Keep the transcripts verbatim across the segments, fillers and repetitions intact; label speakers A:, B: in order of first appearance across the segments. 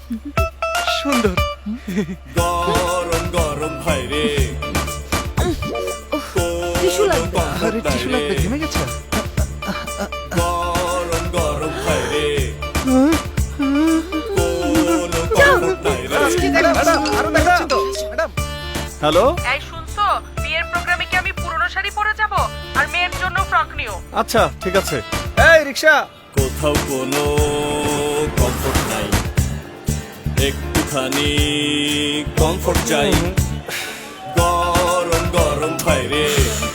A: সুন্দর।
B: গরম গরম ভাই রে,
C: টিস্যু লাগবে।
A: আরে টিস্যু লাগবে, ঘেমে গেছে।
B: গরম গরম ভাই রে, কোনো comfort নাই রে।
A: আরো দেখাচ্ছি তো ম্যাডাম।
D: হ্যালো,
E: এই শুনছো, বিয়ের প্রোগ্রামে কি আমি পুরনো শাড়ি পরে যাব আর মেয়ের জন্য ফ্রক নিও?
D: আচ্ছা ঠিক আছে।
A: এই রিক্সা।
B: কোথাও কোনো কমফোর্ট নাই, একটুখানি কমফোর্ট চাই। গরম গরম ভাই রে,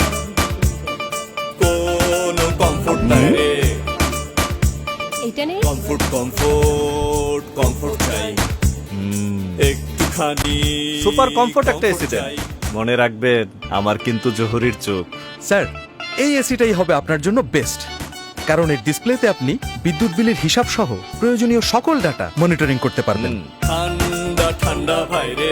B: কোনো কমফোর্ট নাই রে।
C: এটা নেই।
B: কমফোর্ট কমফোর্ট কমফোর্ট চাই, একটুখানি
D: সুপার কমফোর্ট একটা এসি
B: comfort
D: দেন।
B: চাই।
D: মনে রাখবেন আমার কিন্তু জহুরির চোখ।
A: স্যার, এই এসিটাই হবে আপনার জন্য বেস্ট, কারণ এর ডিসপ্লেতে আপনি বিদ্যুৎ বিলের হিসাব সহ প্রয়োজনীয় সকল ডাটা মনিটরিং করতে পারবেন।
D: হুম,
B: ঠান্ডা ঠান্ডা ভাই রে,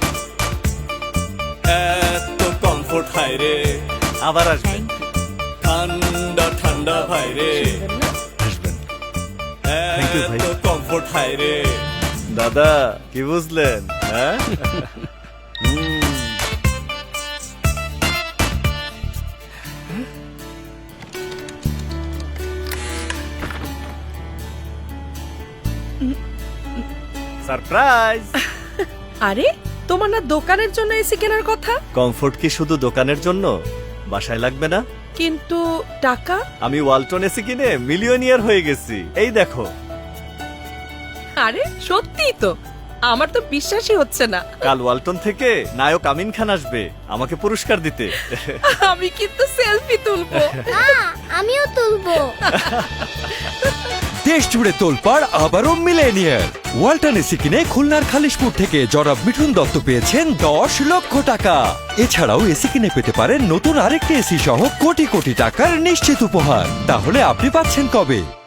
B: এত কমফোর্ট হাই রে।
D: আবার আসবেন।
B: ঠান্ডা ঠান্ডা ভাই রে,
D: আসবেন। Thank you, ভাই।
B: এত কমফোর্ট হাই রে।
D: দাদা কি বুঝলেন? হ্যাঁ হুম। সারপ্রাইজ।
E: আরে তোমার না দোকানের জন্য এসি কেনার কথা?
D: কমফোর্ট কি শুধু দোকানের জন্য? বাসায় লাগবে না?
E: কিন্তু টাকা?
D: আমি ওয়ালটন এসি কিনে মিলিয়নিয়ার হয়ে গেছি, এই দেখো।
E: আরে সত্যিই তো, আমার তো বিশ্বাসই হচ্ছে না।
D: কাল ওয়ালটন থেকে নায়ক আমিন খান আসবে আমাকে পুরস্কার দিতে।
E: আমি কিন্তু সেলফি তুলবো।
C: আমিও তুলবো।
F: দেশ জুড়ে তোলপাড় আবারও মিলেনিয়ার। ওয়ালটন এসি কিনে খুলনার খালিশপুর থেকে জনাব মিঠুন দত্ত পেয়েছেন দশ লক্ষ টাকা। এছাড়াও এসি কিনে পেতে পারেন নতুন আরেকটি এসি সহ কোটি কোটি টাকার নিশ্চিত উপহার। তাহলে আপনি পাচ্ছেন কবে?